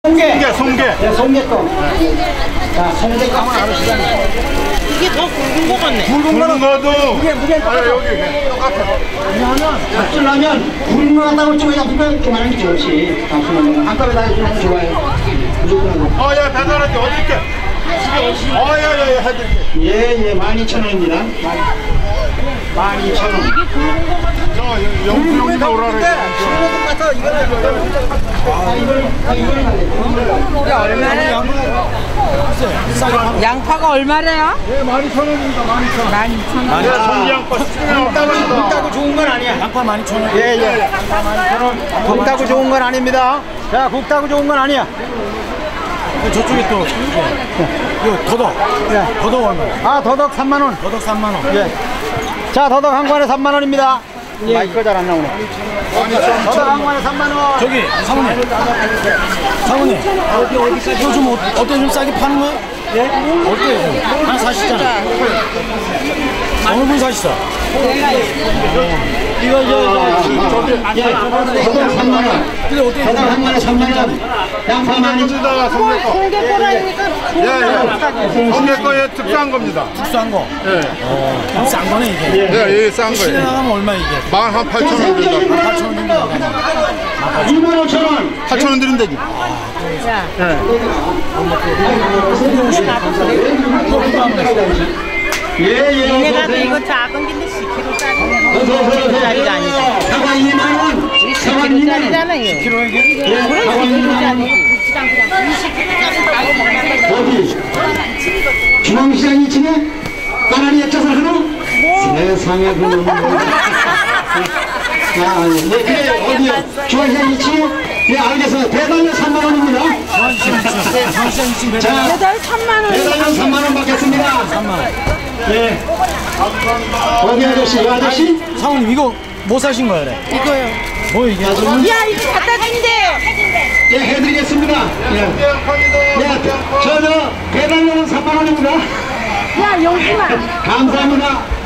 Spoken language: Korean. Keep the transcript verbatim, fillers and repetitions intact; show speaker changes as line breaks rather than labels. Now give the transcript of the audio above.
송게.
송게, 송게.
네, 송게똥. 자, 송게똥 한번 알으시잖아요.
이게 더 굵은 거 같네.
굵은 거는 거도.
이게 무게 똑같아.
여기 똑같아.
왜냐하면 잡수려면 굵은 거 갖다가 쪽에 잡수면 이렇게 많이 좋지. 잡수려면 한꺼번에 다 해주면 좋아요. 무조건.
어, 야, 배달할게. 어디 있게? 어, 야, 야, 야, 해드릴게.
예, 예, 만 이천 원입니다. 만 이천 원.
이게 굵은 거 같아.
저, 영수용이 나오라 그래.
같아, 이거는. 아, 이걸, 아, 이걸 갈래.
이게 얼마나? 양파가 얼마래요?
예, 만 이천 원입니다. 만 이천 원.
만 이천 원.
야, 송기양파 시중에
굵다고, 굵다고 좋은 건 아니야.
양파 만 이천 원.
예, 예. 굵다고 좋은 건 아닙니다. 자, 굵다고 좋은 건 아니야.
저쪽에 또 이거 더덕
예.
더덕 얼마야?
아, 더덕 삼만 원.
더덕 삼만 원.
예. 자, 더덕 한 관에 삼만 원입니다. 마이크가 잘 안 나오네. 더덕 한 관에 삼만 원.
저기 사모님 사모님 어디 어디까지 이거 좀 어, 어때 좀 싸게 파는 거야? 예? 어때? 하나 사시잖아. 어느 분 사시죠?
이거 저, 저, 저기, 예, 더덕 삼만 원.
근데 어때?
더덕 한 관에 삼만 원. 양파 많이
송기다, 송기 거.
송개 꼬라니까
예, 예. 송기 거에 특수한 겁니다.
싼 거.
예.
어, 싼 거네 이게.
예, 예, 싼
시내
거예요.
나가면 얼마 이게?
만 한 팔천 원 든다.
팔천 원 정도 나가네.
이만 오천 원.
팔천 원 드린다지.
자,
예, 예.
얘네가도 이거 작은 긴데 십 킬로짜리.
어서 오세요.
짜리가 아니잖아.
사과 이만 원. 사과
십
이만 원.
킬로짜리잖아, 이거.
예,
그래,
사과
십
이만 원.
킬로짜리.
어디? 중앙시장 이 층에 까나리 액젓을 하나? 세상에 그놈. 아, 네, 그래, 어디요? 중앙시장 이 층에? 네, 알겠어요. 대단면 삼만 원입니다.
전시장 이층 배달.
자,
배달 삼만 원.
대단면 삼만 원 받겠습니다.
삼만 원.
네. 어디 아저씨? 이 아저씨?
사모님 이거 뭐 사신 거야 그래?
이거요.
뭐 이게?
야, 이거 갖다 준대요.
네, 해드리겠습니다. 예. 네, 저, 저, 배달료는 삼만 원입니다.
야, 영수만.
감사합니다.